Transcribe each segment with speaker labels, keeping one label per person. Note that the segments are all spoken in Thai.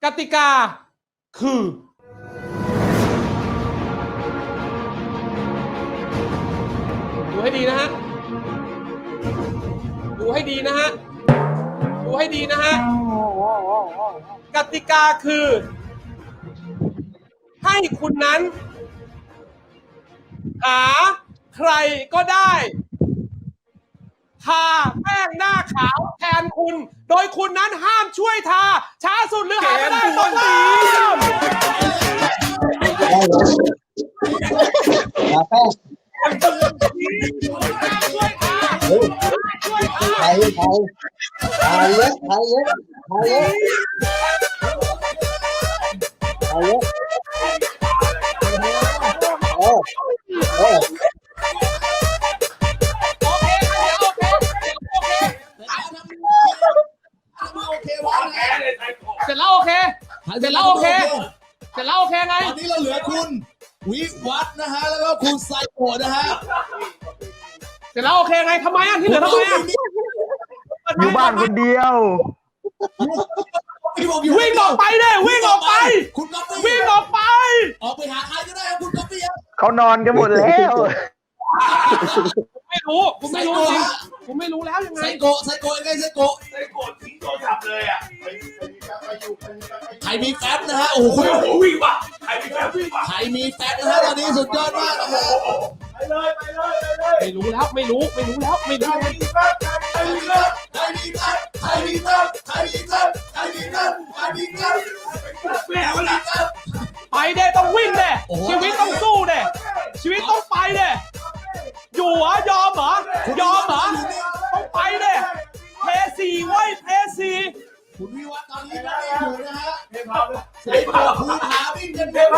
Speaker 1: ติกาคือดูให้ดีนะฮะดูให้ดีนะฮะดูให้ดีนะฮะกติกาคือให้คุณนั้นหาใครก็ได้ทาแป้งหน้าขาวแทนคุณโดยคุณนั้นห้ามช่วยทาช้าสุดหรือหาไม่ได้ตอนนี้
Speaker 2: ทาแป้งไทยเยอะเยอะ
Speaker 1: เสร็จแล้วโอเคไง
Speaker 3: ตอนนี้เราเหลือคุณวิวัฒน์นะฮะแล้วก็คุณไซโกะนะฮะ
Speaker 1: เสร็จแล้วโอเคไงทำไมที่เหลือทำไม
Speaker 2: อยู่บ้านคนเดียว
Speaker 1: วิ่งออกไปเลยวิ่งออกไป
Speaker 3: คุณก๊อฟฟี่
Speaker 1: วิ่งออกไป
Speaker 3: ออกไปหาใครก็ได้ครับคุณก๊อฟฟี่ครับ
Speaker 2: เขานอนกันหมดแล้ว
Speaker 1: ไม่รู้ผมไม่รู้จริงผมไม่รู้แล้วยังไง
Speaker 3: ไซโกะยังไงไซโกะ
Speaker 4: ทิ้งโทรศัพท์เลยอ่ะ
Speaker 3: ใครมีแฟบนะฮะโอ้โห
Speaker 4: วิ่งว่ะใครมีแฟบวิ่งว่ะ
Speaker 3: ใครมีแฟบนะฮะตอนนี้สุดยอดมากนะฮะ
Speaker 4: ไปเลย
Speaker 1: ไม่รู้แล้วไม่รู้ไปเดี๋ยวต้องวิ่งเด้ชีวิตต้องสู้เด้ชีวิตต้องไปเด้อยู่เหรอยอมเหรอต้องไปเด้เพซีไว้เพซี
Speaker 3: คุณวิวัฒน์ตอนนี้ไม่ได้อยู่นะฮะใส่ผ้าภูผาวิ่งกันไป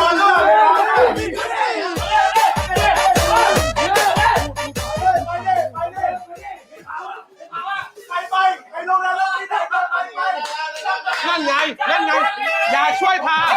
Speaker 1: นั่นไงอย่าช่วยทา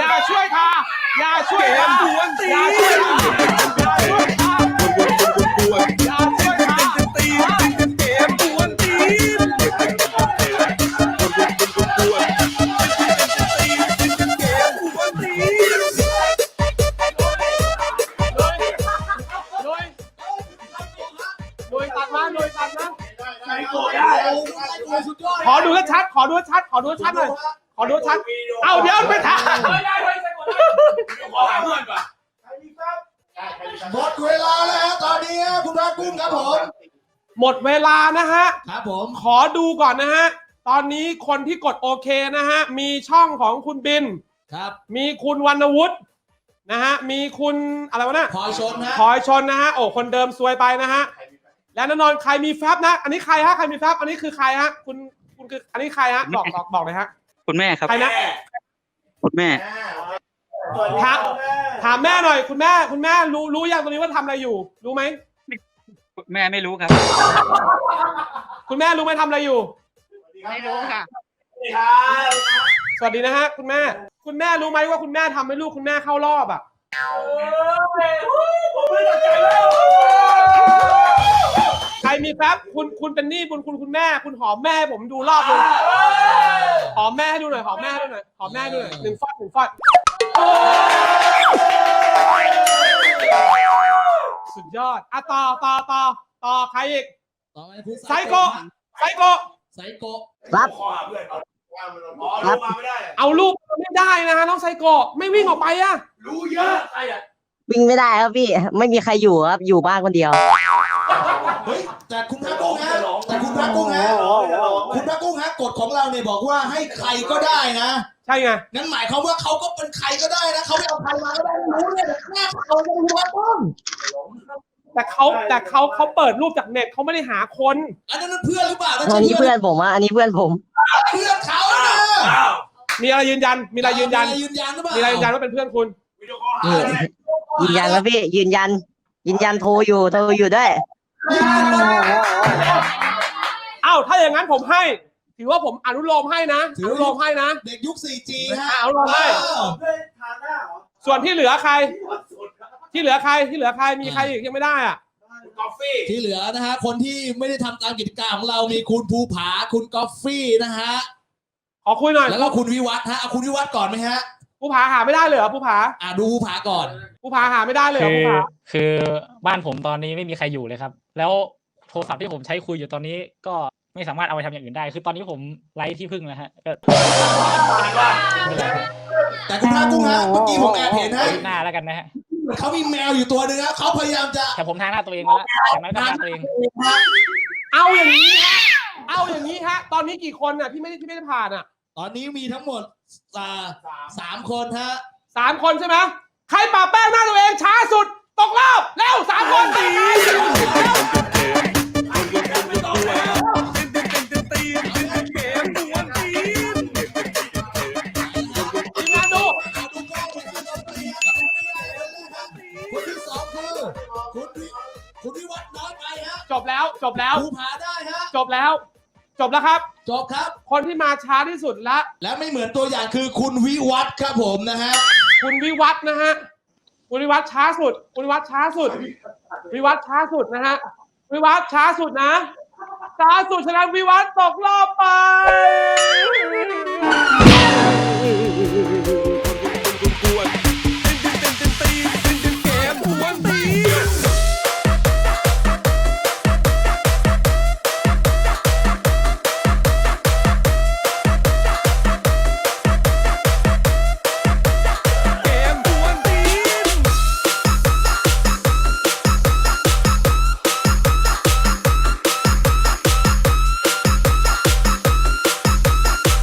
Speaker 1: ขอดูชัดหน่อยเอาเดี๋ยวไปถ่าย
Speaker 3: หมดเวลาแล้วตอนนี้คุณพระกุ้งครับผม
Speaker 1: หมดเวลานะฮะ
Speaker 3: ครับผม
Speaker 1: ขอดูก่อนนะฮะตอนนี้คนที่กดโอเคนะฮะมีช่องของคุณบิน
Speaker 3: ครับ
Speaker 1: มีคุณวรรณวุฒินะฮะมีคุณอะไรวะเนี่ย
Speaker 3: พลอยชน
Speaker 1: นะฮะโอ้คนเดิมซวยไปนะฮะและแน่นอนใครมีแฟบนะอันนี้ใครฮะใครมีแฟบอันนี้คือใครฮะคุณคืออันนี้ใครฮะบอกเลยฮะ
Speaker 5: คุณแม่ครับ
Speaker 1: ใครนะ
Speaker 5: คุณแม่
Speaker 1: ถามแม่หน่อยคุณแม่รู้ยังตรงนี้ว่าทำอะไรอยู่รู้ไหม
Speaker 5: แม่ไม่รู้ครับ
Speaker 1: คุณแม่รู้ไหมทำอะไรอยู่
Speaker 5: ไม่รู้ค่ะ
Speaker 1: สวัสดีนะฮะคุณแม่รู้ไหมว่าคุณแม่ทำให้ลูกคุณแม่เข้ารอบอ่ะใครมีแฟบคุณเป็นหนี้คุณแม่คุณหอมแม่ให้ผมดูรอบนึงหอมแม่ให้ดูหน่อยหอมแม่ดูหน่อย1 ฟอดสุดยอดอ่ะต่อใครอีกไซโก
Speaker 2: รับ
Speaker 1: เอาลูกไม่ได้นะฮะน้องไซโกไม่วิ่งออกไปอะ
Speaker 4: รู้เยอะใครอ่ะ
Speaker 2: วิ่งไม่ได้ครับพี่ไม่มีใครอยู่ครับอยู่บ้านคนเดียว
Speaker 3: เฮ้ยแต่คุณพระกุ้งฮะคุณพระกุ้งฮะกฎของเราเนี่ยบอกว่าให้ใครก็ได้นะ
Speaker 1: ใช่ไง
Speaker 3: งั้นหมายความว่าเขาก็เป็นใครก็ได้นะเขาไม่เอาใครมาก็ได้รู้เลยแต่แค่เขาจะรู้ว่าต้อง
Speaker 1: แต่เขาเปิดรูปจากเน็ตเขาไม่ได้หาคน
Speaker 3: อันนั้นเพื่อนหรือเปล่า
Speaker 2: อันนี้เพื่อนผมอันนี้เพื่อนผม
Speaker 3: เพื่อนเขานะ
Speaker 1: มีอะไรยืนยันหรือเปล่ามีอะไรยืนยันว่าเป็นเพื่อนคุณ
Speaker 2: ยืนยันแล้วพี่ยืนยันโทรอยู่ด้วย
Speaker 1: ถ้าอย่างนั้นผมให้ถือว่าผมอนุโลมให้นะเ
Speaker 3: ด็กยุค 4G ฮะ
Speaker 1: อนุโลมให้ส่วนที่เหลือใครมีใครอีกยังไม่ได้อ่ะ
Speaker 4: กาแฟ
Speaker 3: ที่เหลือนะฮะคนที่ไม่ได้ทำตามกิจการของเรามีคุณภูผาคุณกาแฟนะฮะ
Speaker 1: ขอคุยหน่อย
Speaker 3: แล้วก็คุณวิวัฒน์ฮะเอาคุณวิวัฒน์ก่อนไหมฮะ
Speaker 1: ภูผาหาไม่ได้เลยเหรอภูผา
Speaker 3: ดูภูผาก่อน
Speaker 1: ภูผาหาไม่ได้เลยเหรอภูผา
Speaker 6: คือบ้านผมตอนนี้ไม่มีใครอยู่เลยครับ แล้วโทรศัพท์ที่ผมใช้คุยอยู่ตอนนี้ก็ไม่สามารถเอาไปทำอย่างอื่นได้ คือตอนนี้ผมไร้ที่พึ่งแล้วฮะก็
Speaker 3: แต่คุณพระกุ้งฮะเมื่อกี้ผมแอบเห็นฮะ
Speaker 6: หน้าแล้วกันนะฮะ
Speaker 3: เขามีแมวอยู่ตัวหนึ่งฮะเขาพยายามจะ
Speaker 6: แต่ผมทาหน้าตัวเองมาแล้วอย่างน้อยก็ทาตัวเอง
Speaker 1: เอาอย่างนี้ฮะเอาอย่างนี้ฮะตอนนี้กี่คนน่ะที่ไม่ได้ผ่านอ่ะ
Speaker 3: ตอนนี้มีทั้งหมด3 คนฮะ
Speaker 1: 3 คนใช่ไหมใครปะแป้งหน้าตัวเองช้าสุดตกรอบเร็ว3 คนตีทีมงานดู
Speaker 3: คนที่2คือคุณวิวัฒน์น้อยไปฮะ
Speaker 1: จบแล้วจบแล้ว
Speaker 3: ภูผาได้ฮะ
Speaker 1: จบแล้วครับ
Speaker 3: จบครับ
Speaker 1: คนที่มาช้าที่สุดละ
Speaker 3: และไม่เหมือนตัวอย่างคือคุณวิวัฒน์ครับผมนะฮะ
Speaker 1: คุณวิวัฒน์นะฮะคุณวิวัฒน์ช้าสุดคุณวิวัฒน์ช้าสุดวิวัฒน์ช้าสุดนะฮะวิวัฒน์ช้าสุดนะช้าสุดฉะนั้นวิวัฒน์ตกรอบไป